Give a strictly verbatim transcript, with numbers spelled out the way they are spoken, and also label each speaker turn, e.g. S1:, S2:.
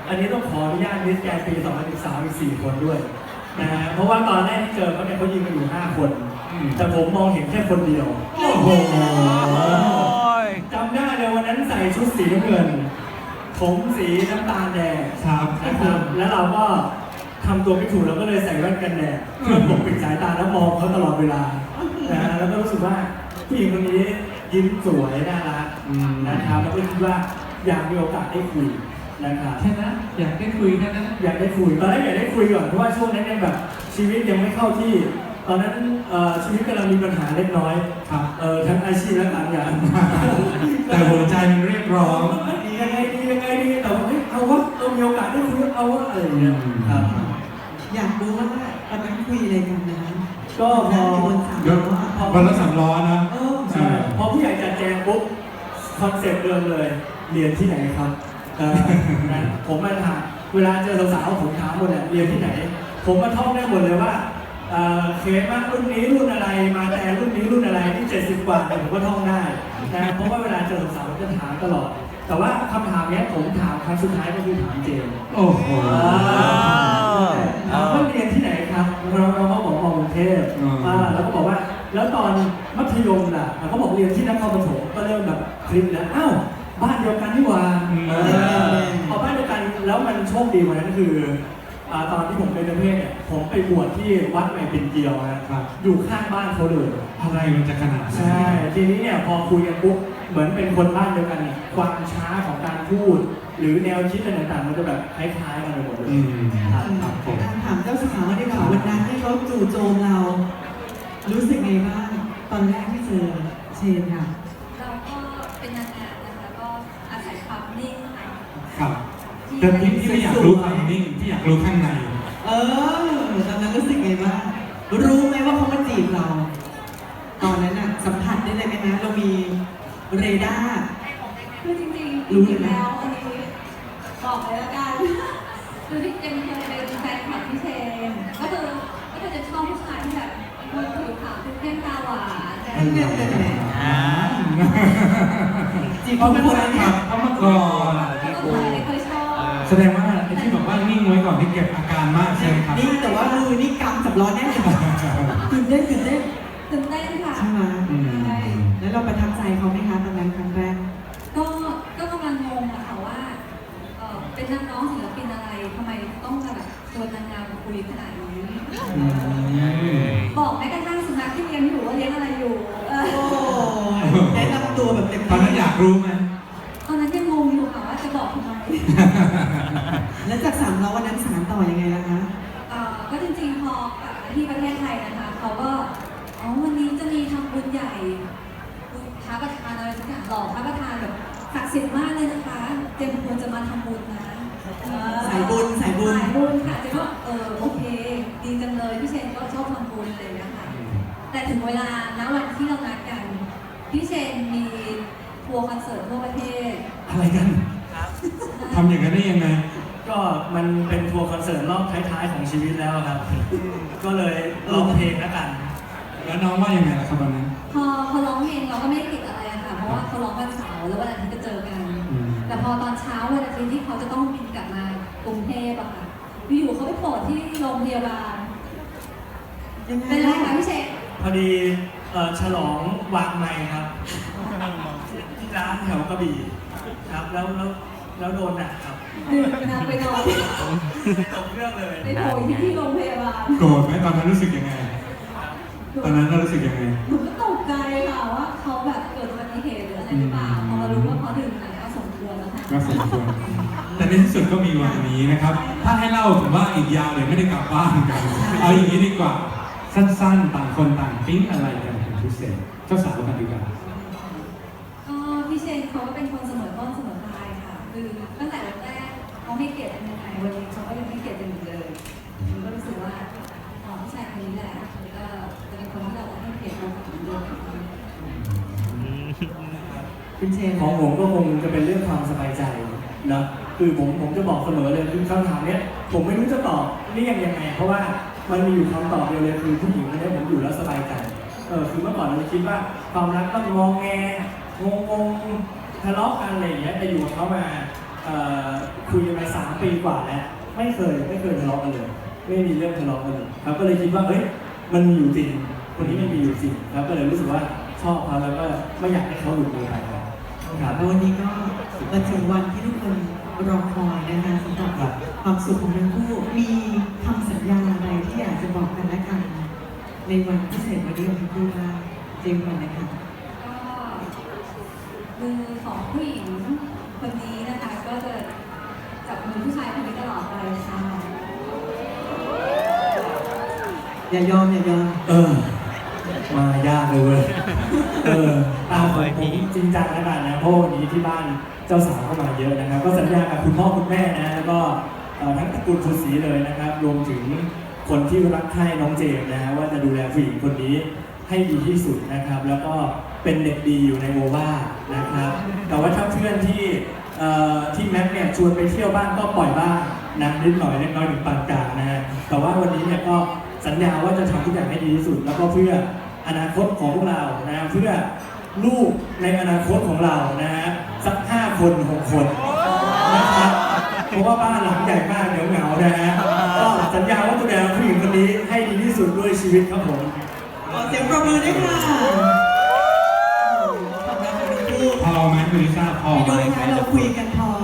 S1: อันนี้ต้องขออนุญาตมิสแกรนด์ปีสองพันสิบสามอีกสี่คนด้วยนะฮะเพราะว่าตอนแรกที่เจอเขาเนี่ยเขายิงกันอยู่ห้าคนแต่ผมมองเห็นแค่คนเดียวโอ้โหจำได้เลยวันนั้นใส่ชุดสีน้ำเงินผมสีน้ำตาลแดงนะครับแล้วเราก็ทำตัวไม่ถูกเราก็เลยใส่แว่นกันแดดเพื่อปกปิดสายตาแล้วมองเขาตลอดเวลานะฮะแล้วก็รู้สึกว่าผู้หญิงคนนี้ยิ้มสวยน่ารักนะครับแล้วก็คิดว่าอยากมีโอกาสได้คุยนะครับ
S2: แค่นั้นอยากได้คุยแค่นั้น
S1: อยากได้คุยตอนแรกอยากได้คุยก่อนเพราะว่าช่วงนั้นยังแบบชีวิตยังไม่เข้าที่ตอนนั้นชีวิตกำลังมีปัญหาเล็กน้อย
S2: ครับ
S1: ทั้งอาชีพและการงาน
S2: แต่หัวใจมันเรียกร้อง
S1: ดียังไงดียังไงดีแต่ว่าเอาวะเรามีโอกาสได้คุยเอาวะอะไรอย่างเงี้ยครับ
S3: อยากรู้ว่าตอนนั้นคุยอะไรกันนะ
S1: ก็พอ
S2: วันละสามล้อนะ
S1: ใช่พอผู้ใหญ่จัดแจงปุ๊บคอนเซ็ปต์เดิมเลยเรียนที่ไหนครับผมมาถามเวลาเจอสาวๆผมถามหมดเลยเรียนที่ไหนผมมาท่องได้หมดเลยว่าเคสมากรุ่นนี้รุ่นอะไรมาแต่รุ่นนี้รุ่นอะไรที่เจ็ดสิบกว่าผมก็ท่องได้นะเพราะว่าเวลาเจอสาวๆจะถามตลอดแต่ว่าคำถามนี้ผมถามครั้งสุดท้ายก็คือถามเจม
S2: โอ้โห
S1: ถามว่าเรียนที่ไหนครับเราเราก็บอกมอกรุงเทพแล้วก็บอกว่าแล้วตอนมัธยมล่ะเขาบอกเรียนที่นครปฐมก็เริ่มแบบคลิปแล้วอ้าวบ้านเดียวกันนี่หว่าพอบ้านเดียวกันแล้วมันโชคดีวันนั้นคือตอนที่ผมเป็นเพศเนี่ยผมไปบวชที่วัดใหม่ปิ่นเกลียวนะครับอยู่ข้างบ้านเขาเลย
S2: อะไรมันจะขนาดนั้น
S1: ใช่ทีนี้เนี่ยพอคุยกันปุ๊บเหมือนเป็นคนบ้านเดียวกันเนี่ยความช้าของการพูดหรือแนวคิดอะไรต่างๆมันจะแบบคล้ายๆกันไปหมดเลย
S3: ถามเจ้าสาวดีกว่าวันนั้นที่เขาจู่โจมเรารู้สึกไงบ้างตอนแรกที่เจอเชนค่ะ
S4: เราก็เป็นนางงามนะคะก็อาศัยความนิ่ง
S2: ครับแต่พี่ที่ไม่อยากรู้ความนิ่งที่อยากรู้ข้างใน
S3: เออตอนนั้นรู้สึกไงบ้างรู้ไหมว่าเขามาจีบเราตอนนั้นน่ะสัมผัสได้เลยไหมนะเรามีเรดาร์
S4: คือจริงๆรู้แล้วอันนี้บอกเลยละกันคือที่เจมเคยเป็นแฟนคลับพี่เชนก็คือก็คือจะชอบผู้ชายที่แบบมือถือขาวคือเข้มตาหวานแต่
S3: จีบเขาเป็นคน
S2: ขับเขามาก่อน
S4: เคยชอบ
S2: แสดงว่าไอ้ที่บอกว่านิ่งไว้ก่อนที่เก็บอาการมากใช่ไหมครับ
S3: นี่แต่ว่ามือนี่กำสับล้อแน่เลยตื่นเต้นตื่นเต้น
S4: ตื่นเต้นค่ะ
S3: ใช่ไหมแล้วเราประทับใจเขาไหมคะตอนนั้นครั้งแรก
S4: ก็ก็กำลังงงอะค่ะว่าเป็นนักร้องศิลปินอะไรทำไมต้องแบบชวนนางงามคุยขนาดนี้บอกแม้กระทั่งสุนัขที่เลี้ยงอยู่ว่าเลี้ยงอะไรอยู่
S3: แนะนำตัวแบบเต็ม
S2: ตอนนั้นอยากรู้ไหม
S4: ตอนนั้นยังงงอยู่ค่ะว่าจะบอกทำไม
S3: แล้วจากสามล้อวันนั้นสารต่อยังไงล่ะคะ
S4: ก็จริงๆพอกลับมาที่ประเทศไทยนะคะเขาก็อ๋อวันนี้จะมีทำบุญใหญ่ท้าประธานอะไรสักอย่างหล่อท้าประธานแบบศักดิ์สิทธิ์มากเลยนะคะเจมควรจะมาทำบุญนะ
S3: สายบุญสายบุญ
S4: สายบุญค่ะเจมก็เออโอเคดีจังเลยพี่เชนก็ชอบทำบุญเลยนะคะแต่ถึงเวลาณวันที่เรานัดกันพี่เชนมีทัวร์คอนเสิร์ตทั่วประเทศ
S2: อะไรกันทำอย่างนั้นได้ยังไง
S1: ก็มันเป็นทัวร์คอนเสิร์ตรอบท้ายๆของชีวิตแล้วครับก็เลยร้องเพลงแล้วกัน
S2: แล้วน้องว่ายังไงล่ะครับวันนั้น
S4: พอพอร้องเพลงเราก็ไม่ได้ติดอะไรค่ะเพราะว่าเขาร้องวันเสาร์แล้ววันอาทิตย์จะเจอกันแต่พอตอนเช้าวันอาทิตย์ที่เขาจะต้องบินกลับมากรุงเทพอะค่ะอยู่เขาไปโผล่ที่โรงพยาบาลเป็นไรคะพี่เชษ
S1: พอดีฉลองวางไมค์ครับที่ร้านแถวกระบี่ครับแล้วแล้วแล้วโดนหนักครับ
S4: นางไปนอน
S1: ตกเรื่องเลย
S4: ไปโผล่ที่โรงพยาบาล
S2: โกรธไหมตอนนั้นรู้สึกยังไงตอนนั้นเรารู้สึกยังไง
S4: หนูก็ตกใจค่ะว่าเขาแบบเกิดอุบัติเหตุหรืออะไรหรือเปล่าพอมารู้ว่าเขาดื่มอะไรก็สมควรแล้วค่ะ
S2: ก็สมควรแต่ในที่สุดก็มีวันนี้นะครับถ้าให้เล่าผมว่าอีกยาวเลยไม่ได้กลับบ้านกันเอาอย่างนี้ดีกว่าสั้นๆต่างคนต่างปิ๊งอะไรกันเป็นพิเศษเจ้าสาวกันดีกว่า
S4: ก็พี่เชนเขาก็เป็นคนเสมอต้นเสมอปลายค่ะคือตั้งแต่แรกเขาให้เกียรติอันยังไงวันนี้เขาก็ยังให้เกียรติกันอยู่เลยก็รู้สึกว่าอ๋อผู้ชายคนนี้แหละก็จะเป็นคนที่เราให้เกียรติเราเหมือนเดิม
S1: คุณเชนของผมก็คงจะเป็นเรื่องความสบายใจนะคือผมผมจะบอกเสมอเลยคือคำถามเนี้ยผมไม่รู้จะตอบเรียกยังไงเพราะว่ามันมีอยู่คำตอบเดียวเลยคือผู้หญิงคนนี้ผมอยู่แล้วสบายใจเออคือเมื่อก่อนเราคิดว่าความรักต้องงองแงงงงทะเลาะกันอะไรอย่างเงี้ยแต่อยู่กับเขามาอ่อคุยกันมาสามปีกว่าแล้วไม่เคยไม่เคยทะเลาะกันเลย ไม่มีเรื่องทะเลาะกันเลยครับก็เลยคิดว่าเอ้ยมันมีอยู่จริงคนนี้มันมีอยู่จริงครับก็เลยรู้สึกว่าชอบเขาแล้วก็ไม่อยากให้เขาหลุดมือไปครับครับ
S3: แล้ววันนี้ก็มาถึงวันที่ทุกคนรอคอยนะคะสำหรับ
S1: ครับ
S3: ความสุขของทั้งคู่มีคำสัญญาอะไรที่อยากจะบอกกันและกันในวันพิเศษวันนี้ของทั้งคู่บ้างเจมส์ก่อนเลยค่ะ
S4: ก็มือของผู้หญิงคนนี้นะคะ ก็จะจับมือผู้ชายคนนี้ตลอดไปค่ะ
S3: อย่ายอมอย่ายอม
S1: เออ มายากเลยเว้ยเออตามผมผมจริงจังแล้วกันนะเพราะวันนี้ที่บ้านเจ้าสาวเข้ามาเยอะนะครับ ก็สัญญากับคุณพ่อคุณแม่นะแล้วก็เอ่อทั้งตระกูลสุสีเลยนะครับ รวมถึงคนที่รักใคร่น้องเจมส์นะฮะว่าจะดูแลผู้หญิงคนนี้ให้ดีที่สุดนะครับ แล้วก็เป็นเด็กดีอยู่ในโอวานะครับ แต่ว่าถ้าเพื่อนที่เอ่อที่แม็กเนี่ยชวนไปเที่ยวบ้านก็ปล่อยบ้างนะนิดหน่อยเล็กน้อยถึงปานกลางนะฮะแต่ว่าวันนี้เนี่ยก็สัญญาว่าจะทำทุกอย่างให้ดีที่สุด แล้วก็เพื่ออนาคตของพวกเรานะฮะเพื่อลูกในอนาคตของเรานะฮะสักห้าคนหกคนนะครับเพราะว่าบ้านหลังใหญ่มากเดี๋ยวเหงานะฮะก็สัญญาว่าจะดูแลผู้หญิงคนนี้ให้ดีที่สุดด้วยชีวิตครับผม
S3: ขอเสียงปรบมือด้วยค่ะขอบคุณทั้งคู่
S2: พอไหมคุณลิซ่าพอ
S3: พี่
S2: ไหม
S3: ดูคะเราคุยกันพอ